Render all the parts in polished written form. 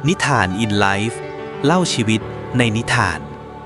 นิทานอินไลฟ์เล่าชีวิตในนิทาน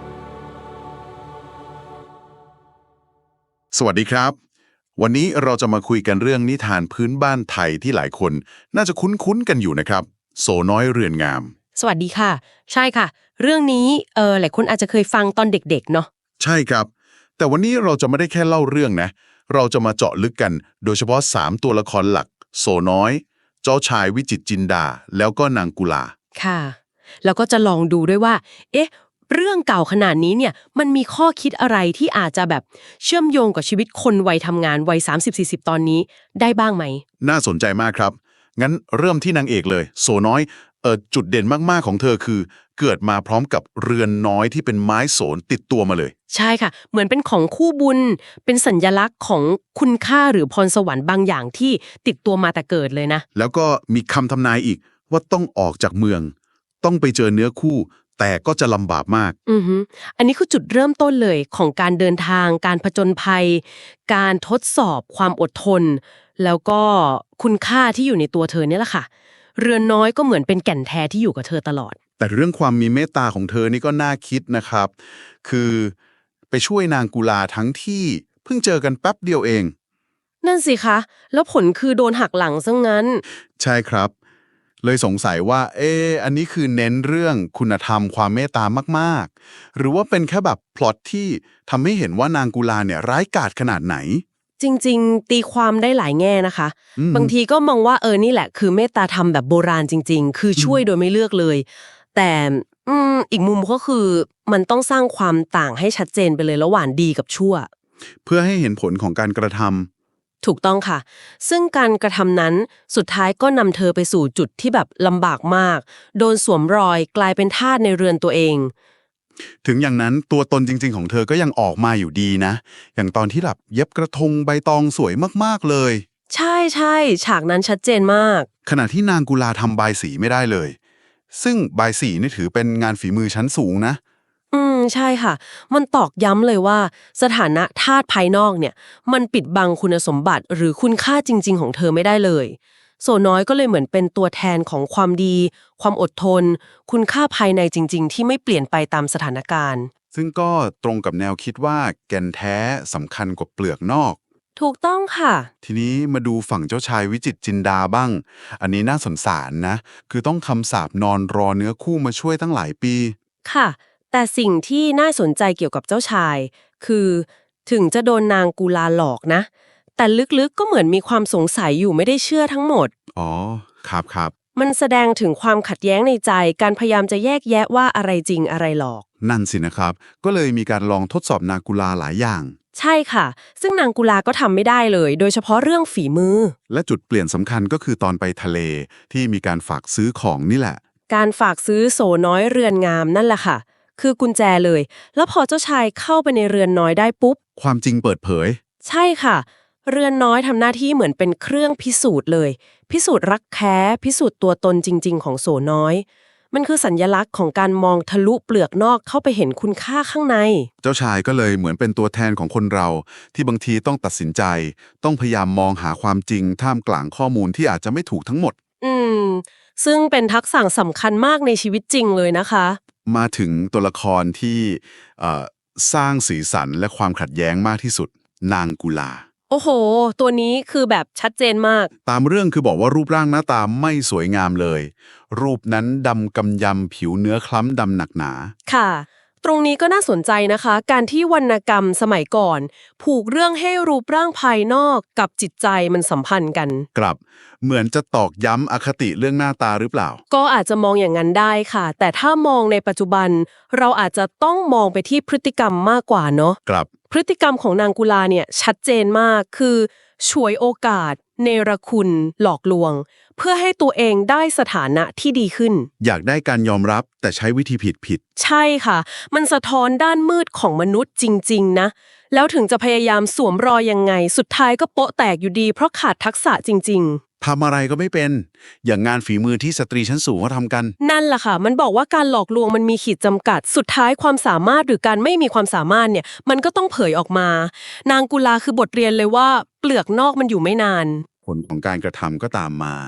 สวัสดีครับวันนี้เราจะมาคุยกันเรื่องนิทานพื้นบ้านไทยที่หลายคนน่าจะคุ้นๆกันอยู่นะครับโสน้อยเรือนงามสวัสดีค่ะใช่ค่ะเรื่องนี้หลายคนอาจจะเคยฟังตอนเด็กๆเนาะใช่ครับแต่วันนี้เราจะไม่ได้แค่เล่าเรื่องนะเราจะมาเจาะลึกกันโดยเฉพาะ3ตัวละครหลักโสน้อยเจ้าชายวิจิตรจินดาแล้วก็นางกุลาค่ะแล้วก็จะลองดูด้วยว่าเอ๊ะเรื่องเก่าขนาดนี้เนี่ยมันมีข้อคิดอะไรที่อาจจะแบบเชื่อมโยงกับชีวิตคนวัยทำงานวัย30-40ตอนนี้ได้บ้างไหมน่าสนใจมากครับงั้นเริ่มที่นางเอกเลยโสน้อยจุดเด่นมากๆของเธอคือเกิดมาพร้อมกับเรือนน้อยที่เป็นไม้โสนติดตัวมาเลยใช่ค่ะเหมือนเป็นของคู่บุญเป็นสัญลักษณ์ของคุณค่าหรือพรสวรรค์บางอย่างที่ติดตัวมาแต่เกิดเลยนะแล้วก็มีคำทำนายอีกว่าต้องออกจากเมืองต้องไปเจอเนื้อคู่แต่ก็จะลำบากมากอันนี้คือจุดเริ่มต้นเลยของการเดินทางการผจญภัยการทดสอบความอดทนแล้วก็คุณค่าที่อยู่ในตัวเธอเนี่ยแหละค่ะเรือนน้อยก็เหมือนเป็นแก่นแท้ที่อยู่กับเธอตลอดแต่เรื่องความมีเมตตาของเธอนี่ก็น่าคิดนะครับคือไปช่วยนางกุลาทั้งที่เพิ่งเจอกันแป๊บเดียวเองนั่นสิคะแล้วผลคือโดนหักหลังซะงั้นใช่ครับเลยสงสัยว่าอันนี้คือเน้นเรื่องคุณธรรมความเมตตามากๆหรือว่าเป็นแค่แบบพล็อตที่ทำให้เห็นว่านางกุลาเนี่ยร้ายกาจขนาดไหนจริงๆตีความได้หลายแง่นะคะบางทีก็มองว่านี่แหละคือเมตตาธรรมแบบโบราณจริงๆคือช่วยโดยไม่เลือกเลยแต่อีกมุมก็คือมันต้องสร้างความต่างให้ชัดเจนไปเลยระหว่างดีกับชั่วเพื่อให้เห็นผลของการกระทำถูกต้องค่ะซึ่งการกระทำนั้นสุดท้ายก็นำเธอไปสู่จุดที่แบบลำบากมากโดนสวมรอยกลายเป็นทาสในเรือนตัวเองถึงอย่างนั้นตัวตนจริงๆของเธอก็ยังออกมาอยู่ดีนะอย่างตอนที่แบบเย็บกระทงใบตองสวยมากๆเลยใช่ๆฉากนั้นชัดเจนมากขณะที่นางกุลาทำบายสีไม่ได้เลยซึ่งบายสีนี่ถือเป็นงานฝีมือชั้นสูงนะใช่ค่ะมันตอกย้ำเลยว่าสถานะทาสภายนอกเนี่ยมันปิดบังคุณสมบัติหรือคุณค่าจริงๆของเธอไม่ได้เลยโสน้อยก็เลยเหมือนเป็นตัวแทนของความดีความอดทนคุณค่าภายในจริงๆที่ไม่เปลี่ยนไปตามสถานการณ์ซึ่งก็ตรงกับแนวคิดว่าแก่นแท้สำคัญกว่าเปลือกนอกถูกต้องค่ะทีนี้มาดูฝั่งเจ้าชายวิจิตรจินดาบ้างอันนี้น่าสงสารนะคือต้องคำสาปนอนรอเนื้อคู่มาช่วยตั้งหลายปีค่ะแต่สิ่งที่น่าสนใจเกี่ยวกับเจ้าชายคือถึงจะโดนนางกุลาหลอกนะแต่ลึกๆก็เหมือนมีความสงสัยอยู่ไม่ได้เชื่อทั้งหมดอ๋อครับครับมันแสดงถึงความขัดแย้งในใจการพยายามจะแยกแยะว่าอะไรจริงอะไรหลอกนั่นสินะครับก็เลยมีการลองทดสอบนางกุลาหลายอย่างใช่ค่ะซึ่งนางกุลาก็ทำไม่ได้เลยโดยเฉพาะเรื่องฝีมือและจุดเปลี่ยนสำคัญก็คือตอนไปทะเลที่มีการฝากซื้อของนี่แหละการฝากซื้อโสน้อยเรือนงามนั่นแหละค่ะคือกุญแจเลยแล้วพอเจ้าชายเข้าไปในเรือนน้อยได้ปุ๊บความจริงเปิดเผยใช่ค่ะเรือนน้อยทำหน้าที่เหมือนเป็นเครื่องพิสูจน์เลยพิสูจน์รักแท้พิสูจน์ตัวตนจริงๆของโสน้อยมันคือสัญลักษณ์ของการมองทะลุเปลือกนอกเข้าไปเห็นคุณค่าข้างในเจ้าชายก็เลยเหมือนเป็นตัวแทนของคนเราที่บางทีต้องตัดสินใจต้องพยายามมองหาความจริงท่ามกลางข้อมูลที่อาจจะไม่ถูกทั้งหมดอืมซึ่งเป็นทักษะสำคัญมากในชีวิตจริงเลยนะคะมาถึงตัวละครที่เอ่อสร้างสีสันและความขัดแย้งมากที่สุดนางกุลาโอ้โหตัวนี้คือแบบชัดเจนมากตามเรื่องคือบอกว่ารูปร่างหน้าตาไม่สวยงามเลย รูปนั้นดำกำยำผิวเนื้อคล้ำดำหนักหนาค่ะตรงนี้ก็น่าสนใจนะคะการที่วรรณกรรมสมัยก่อนผูกเรื่องให้รูปร่างภายนอกกับจิตใจมันสัมพันธ์กันกลับเหมือนจะตอกย้ำอคติเรื่องหน้าตาหรือเปล่าก็อาจจะมองอย่างนั้นได้ค่ะแต่ถ้ามองในปัจจุบันเราอาจจะต้องมองไปที่พฤติกรรมมากกว่าเนาะกลับพฤติกรรมของนางกุลาเนี่ยชัดเจนมากคือฉวยโอกาสเนรคุณหลอกลวงเพื่อให้ตัวเองได้สถานะที่ดีขึ้นอยากได้การยอมรับแต่ใช้วิธีผิดใช่ค่ะมันสะท้อนด้านมืดของมนุษย์จริงๆนะแล้วถึงจะพยายามสวมรอยยังไงสุดท้ายก็โป๊ะแตกอยู่ดีเพราะขาดทักษะจริงทำอะไรก็ไม่เป็นอย่างงานฝีมือที่สตรีชั้นสูงเขาทำกันนั่นแหละค่ะมันบอกว่าการหลอกลวงมันมีขีดจำกัดสุดท้ายความสามารถหรือการไม่มีความสามารถเนี่ยมันก็ต้องเผยออกมานางกุลาคือบทเรียนเลยว่าเปลือกนอกมันอยู่ไม่นานผลของการกระทำก็ตามมา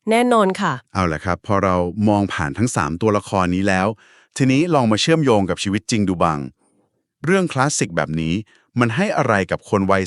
แน่นอนค่ะเอาล่ะครับพอเรามองผ่านทั้ง 3 ตัวละครนี้แล้ว ทีนี้ลองมาเชื่อมโยงกับชีวิตจริงดูบ้างเรื่องคลาสสิกแบบนี้มันให้อะไรกับคนวัย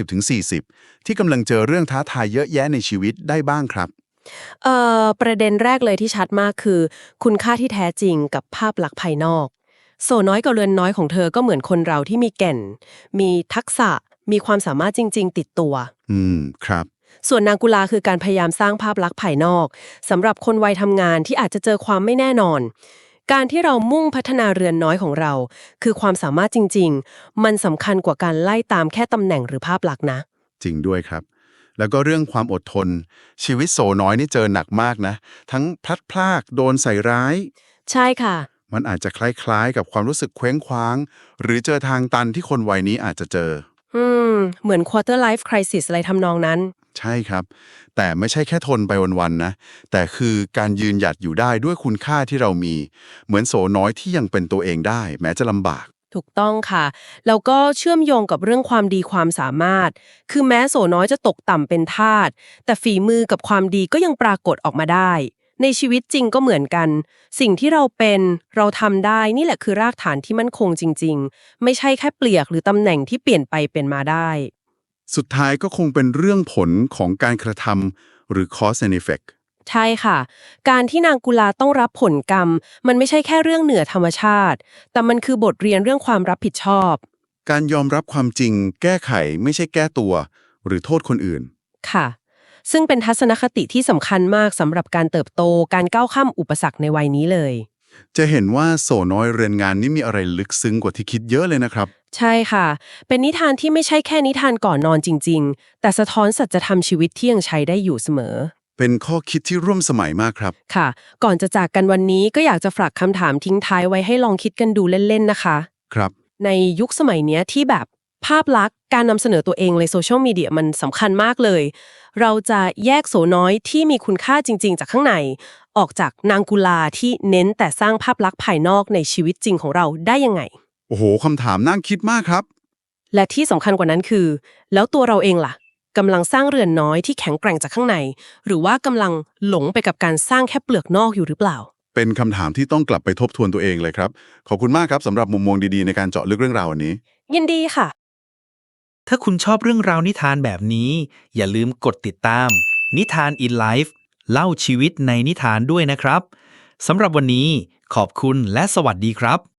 30-40 ที่กำลังเจอเรื่องท้าทายเยอะแยะในชีวิตได้บ้างครับประเด็นแรกเลยที่ชัดมากคือ คุณค่าที่แท้จริงกับภาพลักษณ์ภายนอกโสน้อยกับเรือนน้อยของเธอก็เหมือนคนเราที่มีแก่น มีทักษะมีความสามารถจริงๆติดตัวครับส่วนนางกุลาคือการพยายามสร้างภาพลักษณ์ภายนอกสำหรับคนวัยทำงานที่อาจจะเจอความไม่แน่นอน การที่เรามุ่งพัฒนาเรือนน้อยของเรา คือความสามารถจริงๆมันสำคัญกว่าการไล่ตามแค่ตำแหน่งหรือภาพลักษณ์นะจริงด้วยครับ แล้วก็เรื่องความอดทน ชีวิตโสน้อยนี่เจอหนักมากนะ ทั้งพลัดพรากโดนใส่ร้ายใช่ค่ะมันอาจจะคล้ายๆกับความรู้สึกเคว้งคว้าง หรือเจอทางตันที่คนวัยนี้อาจจะเจอเหมือน quarter life crisis อะไรทำนองนั้นใช่ครับ แต่ไม่ใช่แค่ทนไปวันๆนะ แต่คือการยืนหยัดอยู่ได้ด้วยคุณค่าที่เรามี เหมือนโสน้อยที่ยังเป็นตัวเองได้ แม้จะลำบากถูกต้องค่ะ แล้วก็เชื่อมโยงกับเรื่องความดีความสามารถ คือแม้โสน้อยจะตกต่ำเป็นทาสแต่ฝีมือกับความดีก็ยังปรากฏออกมาได้ ในชีวิตจริงก็เหมือนกัน สิ่งที่เราเป็นเราทำได้นี่แหละคือรากฐานที่มั่นคงจริงๆ ไม่ใช่แค่เปลียกหรือตำแหน่งที่เปลี่ยนไปเป็นมาได้สุดท้ายก็คงเป็นเรื่องผลของการกระทำหรือ cause and effect ใช่ค่ะ การที่นางกุลาต้องรับผลกรรม มันไม่ใช่แค่เรื่องเหนือธรรมชาติ แต่มันคือบทเรียนเรื่องความรับผิดชอบการยอมรับความจริง แก้ไขไม่ใช่แก้ตัว หรือโทษคนอื่นค่ะ ซึ่งเป็นทัศนคติที่สำคัญมากสำหรับการเติบโต การก้าวข้ามอุปสรรคในวัยนี้เลยจะเห็นว่าโสน้อยเรือนงานนี่มีอะไรลึกซึ้งกว่าที่คิดเยอะเลยนะครับใช่ค่ะ เป็นนิทานที่ไม่ใช่แค่นิทานก่อนนอนจริงๆ แต่สะท้อนสัจธรรมชีวิตที่ยังใช้ได้อยู่เสมอเป็นข้อคิดที่ร่วมสมัยมากครับค่ะ ก่อนจะจากกันวันนี้ก็อยากจะฝากคำถามทิ้งท้ายไว้ให้ลองคิดกันดูเล่นๆนะคะครับในยุคสมัยเนี้ยที่แบบภาพลักษณ์การนำเสนอตัวเองในโซเชียลมีเดียมันสำคัญมากเลย เราจะแยกโสน้อยที่มีคุณค่าจริงๆจากข้างในออกจากนางกุลาที่เน้นแต่สร้างภาพลักษณ์ภายนอกในชีวิตจริงของเราได้ยังไงโอ้โหคำถามน่าคิดมากครับและที่สำคัญกว่านั้นคือ แล้วตัวเราเองล่ะกำลังสร้างเรือนน้อยที่แข็งแกร่งจากข้างใน หรือว่ากำลังหลงไปกับการสร้างแค่เปลือกนอกอยู่หรือเปล่าเป็นคำถามที่ต้องกลับไปทบทวนตัวเองเลยครับ ขอบคุณมากครับสำหรับมุมมองดีๆในการเจาะลึกเรื่องราววันนี้ยินดีค่ะถ้าคุณชอบเรื่องราวนิทานแบบนี้ อย่าลืมกดติดตาม นิทาน in Life เล่าชีวิตในนิทานด้วยนะครับสำหรับวันนี้ขอบคุณและสวัสดีครับ